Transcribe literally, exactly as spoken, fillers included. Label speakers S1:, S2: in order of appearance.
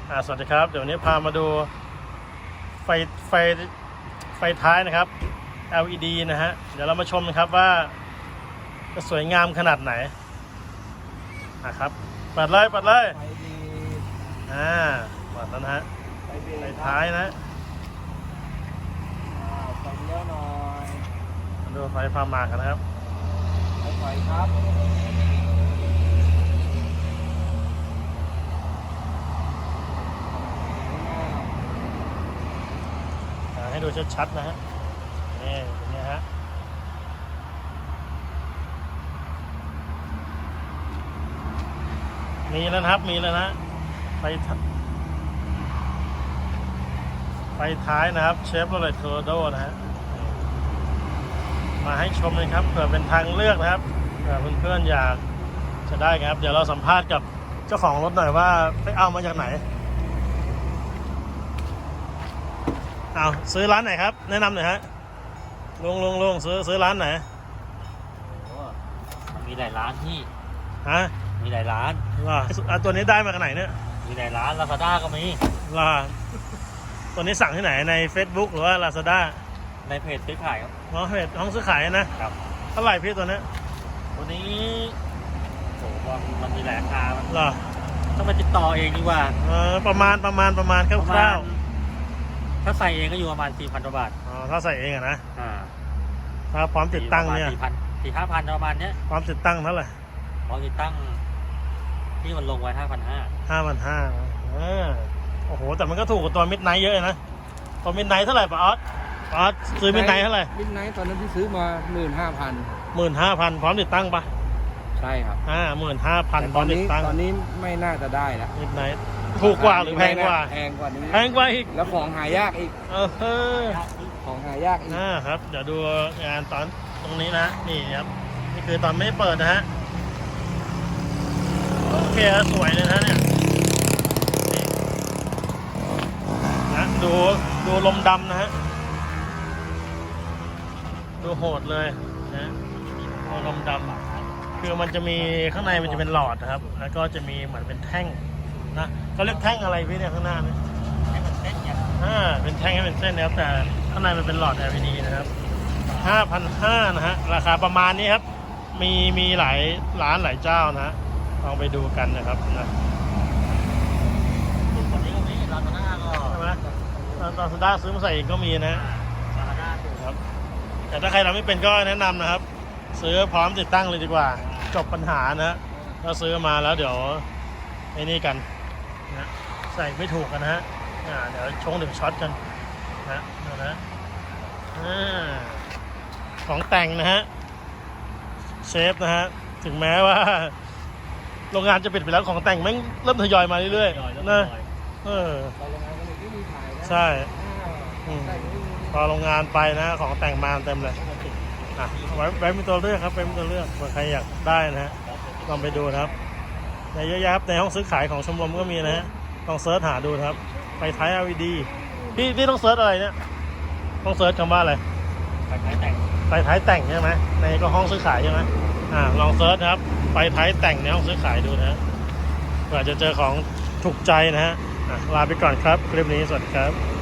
S1: อ่าสวัสดีครับเดี๋ยววันนี้พามาดูไฟไฟไฟท้ายนะครับ แอล อี ดี นะฮะเดี๋ยวเรามาชมนะครับว่าจะสวยงามขนาดไหนนะครับเปิดเลยเปิดเลย
S2: ไฟดี
S1: อ่าเปิดแล้วนะฮะ
S2: ไฟดี
S1: ไฟท้ายนะ
S2: อ่าไฟเลี้ยวหน่อย
S1: มาดูไฟพามากันนะครับ
S2: ไฟไฟครับ
S1: อ่าให้ดูชัดๆนะฮะนี่เป็นไงฮะมีแล้วนะครับมีแล้วนะไฟไฟท้ายนะครับเชฟโรเลตโคโรโดนะฮะมาให้ชมเลยครับเผื่อเป็นทางเลือกนะครับเผื่อเพื่อนๆอยากจะได้ครับเดี๋ยวเราสัมภาษณ์กับเจ้าของรถหน่อยว่าไปเอามาจากไหนเอาซื้อร้านไหนครับแนะนำหน่อยฮะลุงลุงลุงซื้อซื้อร้านไหน
S3: โอ้มันมีหลายร้านที่
S1: ฮะ
S3: มีหลายร้าน
S1: ว่าอ่ะตัวนี้ได้มาจากไหนเนี่ย
S3: มีหลายร้านลาซาด้าก็มี
S1: ว่าตัวนี้สั่งที่ไหนใน Facebook หรือว่า Lazada
S3: ในเพจซื้อขายครับ
S1: อ๋อเพจห้องซื้อขายนะครับ เท่าไหร่พี่ตัวนี้
S3: ตัวนี้โอ้โหมันมีหลายราคามัน
S1: เหรอ
S3: ต้องไปติดต่อเองดีกว่า
S1: เออประมาณประมาณประมาณค
S3: ประมา
S1: ร่า
S3: ณ
S1: ว
S3: ถ้าใส่เองก็อยู่ประมาณสี่พันกว่าบาท
S1: ๆอ๋อถ้าใส่เองอะนะ
S3: อ่า
S1: ถ้าพร้อมติดตั้งเนี่ย
S3: สี่พันสี่ห้าพันประมาณเนี้ย
S1: พร้อมติดตั้งเท่าไหร่
S3: พอติดตั้งที่มันลงไว้ห้าพันห้า
S1: ห้าพันห้าเออโอ้โหแต่มันก็ถูกกว่าตัวมิดไนท์เยอะนะตัวมิดไนท์เท่าไหร่ปะออสปะออสซื้อมิดไนท์เท่าไหร่
S2: มิดไนท์ตอนนั้นที่ซื้อมาหมื่นห้าพัน
S1: หมื่นห้าพันพร้อมติดตั้งปะ
S2: ใช่ครับ
S1: อ่าหมื่นห้าพันพ
S2: ต
S1: ร้อ
S2: อ
S1: ม
S2: น
S1: ติด
S2: นี้
S1: ตั้ง
S2: ตอนนี้ไม่น่าจะได้แล้ว
S1: มิดไนท์ถูกกว่าหรือแพงกว่า
S2: แพงกว่านี้
S1: แพงกว่าอีก
S2: แล้วของหายากอีก
S1: เออเออ
S2: ของหายากอีก
S1: อ่าครับเดี๋ยวดูงานตอนตรงนี้นะนี่ครับนี่คือตอนไม่เปิดนะฮะโอเคสวยเลยนะเนี่ยนี่นะดูดูลมดำนะฮะดูโหดเลยนะดูลมดำคือมันจะมีข้างในมันจะเป็นหลอดนะครับแล้วก็จะมีเหมือนเป็นแท่งนะเขาเรียกแท่งอะไรพี่เนี่ยข้างหน้าเนี่ย
S3: ให้มันเส้นอย่าง
S1: อ่าเป็นแท่งให้เป็นเส้นนะครับแต่ข้างในมันเป็นหลอด แอล อี ดี นะครับ ห้าพันห้าร้อย นะฮะราคาประมาณนี้ครับมีมีหลายร้านหลายเจ้านะฮะลองไปดูกันนะครับนะ
S3: ตัวนี้ก็มีลาซาด้าก็
S1: ใช่ไหมลาซาด้าซื้อมาใส่เองก็มีนะ
S3: ลาซาด้าถูก
S1: ครับแต่ถ้าใครเราไม่เป็นก็แนะนำนะครับซื้อพร้อมติดตั้งเลยดีกว่าจบปัญหานะฮะเราซื้อมาแล้วเดี๋ยวไอ้นี่กันนะใส่ไม่ถูกกันนะฮะอ่าเดี๋ยวชงถึงช็อตกันนะนะนะอ่าของแต่งนะฮะเชฟนะฮะถึงแม้ว่าโรงงานจะปิดไปแล้วของแต่งแม่งเริ่มทยอยมาเรื่อยๆนะเออ
S2: ตอนโรงงานก็เลยไม่มีขายนะ
S1: ใช่
S2: อ่าใช่ไม่มี
S1: พอโรงงานไปนะของแต่งมาเต็มเลยอ่ะไว้ไว้มีตัวเลือกครับไว้มีตัวเลือกเผื่อใครอยากได้นะฮะลองไปดูนะครับในเยอะแยะครับในห้องซื้อขายของชมรมก็มีนะฮะลองเซิร์ชหาดูนะครับไฟท้าย แอล อี ดี พี่พี่ต้องเซิร์ชอะไรเนี่ยต้องเซิร์ชคำว่าอะไร
S3: ไปขายแต่ง
S1: ไฟท้ายแต่งใช่ไหมในก็ห้องซื้อขายใช่ไหมอ่าลองเซิร์ชนะครับไฟท้ายแต่งในห้องซื้อขายดูนะฮะเผื่อจะเจอของถูกใจนะฮะอ่ะลาไปก่อนครับคลิปนี้สวัสดีครับ